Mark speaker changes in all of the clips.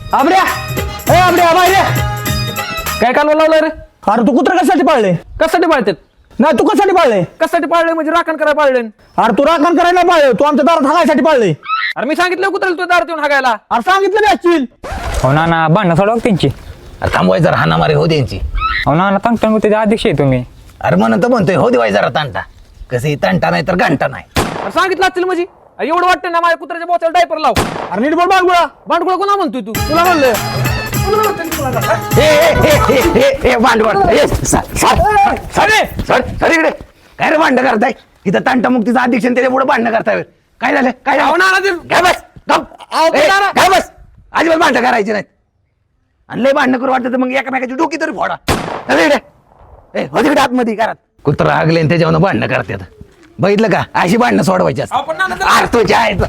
Speaker 1: आबड्या ए आबड्या बाहेर ये.
Speaker 2: काय कालवा लावलाय रे?
Speaker 1: अरे तू कुत्र कशासाठी पाळले?
Speaker 2: कशासाठी पाळतात?
Speaker 1: नाही तू कशासाठी पाळले?
Speaker 2: कशासाठी पाळले म्हणजे राखण करायला पाळले?
Speaker 1: अरे तू राखण करायला पाळले, तू आमच्या दारात हागायसाठी पाळले.
Speaker 2: अरे मी सांगितलं कुत्र्याला तू दारात येऊन हागायला.
Speaker 1: अरे सांगितलं मी असतील.
Speaker 3: हो ना भांडणं सोडवा त्यांची.
Speaker 4: अरे थांबवाय जरा हाणामारी हो द्यांची.
Speaker 3: हो ना तंगटंग त्याचे अध्यक्ष आहे तुम्ही.
Speaker 4: अरे म्हणून तर म्हणतोय हो देवाय जरा तांटा. कसं तांटा नाही तर घंटा नाही.
Speaker 2: अरे सांगितलं असतील म्हणजे अरे एवढं वाटतं ना माझ्या कुत्र्याच्या बोचाला डायपर लाव.
Speaker 1: अरे नीट बोल बांगुळा.
Speaker 2: भांडकुळा कोणा म्हणतोय तू?
Speaker 1: तुला म्हणलं
Speaker 4: भांडवड सर इकडे काय रे भांडण करताय? इथं तांटा मुक्तीचा अध्यक्ष आणि त्याच्या पुढे भांडण करताय. काय झालं काय
Speaker 2: अहो, नाना ते-
Speaker 4: काय बस गप.
Speaker 2: नाना.
Speaker 4: काय बस अजिबात भांडण करायची नाहीत. आणि लय भांडण करू वाटतं तर मग एकामेकाची डोकी तरी फोडा. चला इकडे हो तिकडे आतमध्ये घरात कुत्रा हागले त्याच्यावर भांडणं करतात. बघितलं का अशी भांडणं सोडवायची असतात.
Speaker 2: आपण नाना त्याला-
Speaker 4: अरे तुझ्या आईचं.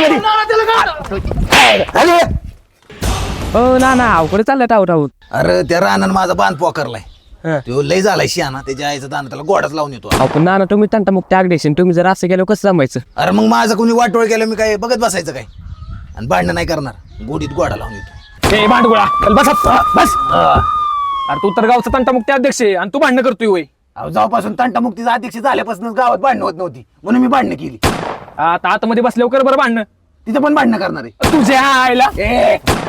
Speaker 4: अरे
Speaker 5: हो ना ना अवकडे चाललंय टाऊ टाऊ.
Speaker 4: अरे त्या रानानं माझा बांध पोकरलाय. तो लय झालाय शियाना. त्याच्या आईचं दान त्याला गोडाच लावून येतो.
Speaker 5: आपण नाना तुम्ही तंटा मुक्त आगडेशन तुम्ही जर असं गेलो कसं जमायचं?
Speaker 4: अरे मग माझं कोणी वाटोळ केलं मी काय बघत बसायचं काय? आणि भांडणं नाही करणार. गोडीत गोडा लावून येतो.
Speaker 2: ए भांडकुळा चल बस
Speaker 4: बस
Speaker 2: अरे तू तर गावचा तंटामुक्ती अध्यक्ष आहे आणि तू भांडण करतोय होय.
Speaker 4: अहो जेव्हापासून तंटामुक्तीचा अध्यक्ष झाल्यापासून गावात भांडणं होत नव्हती म्हणून मी भांडणं केली.
Speaker 2: आता आतमध्ये बसल्यावर कर बरं भांडणं.
Speaker 4: तिथं पण भांडणं करणार आहे.
Speaker 2: तुझ्या आईला
Speaker 4: ए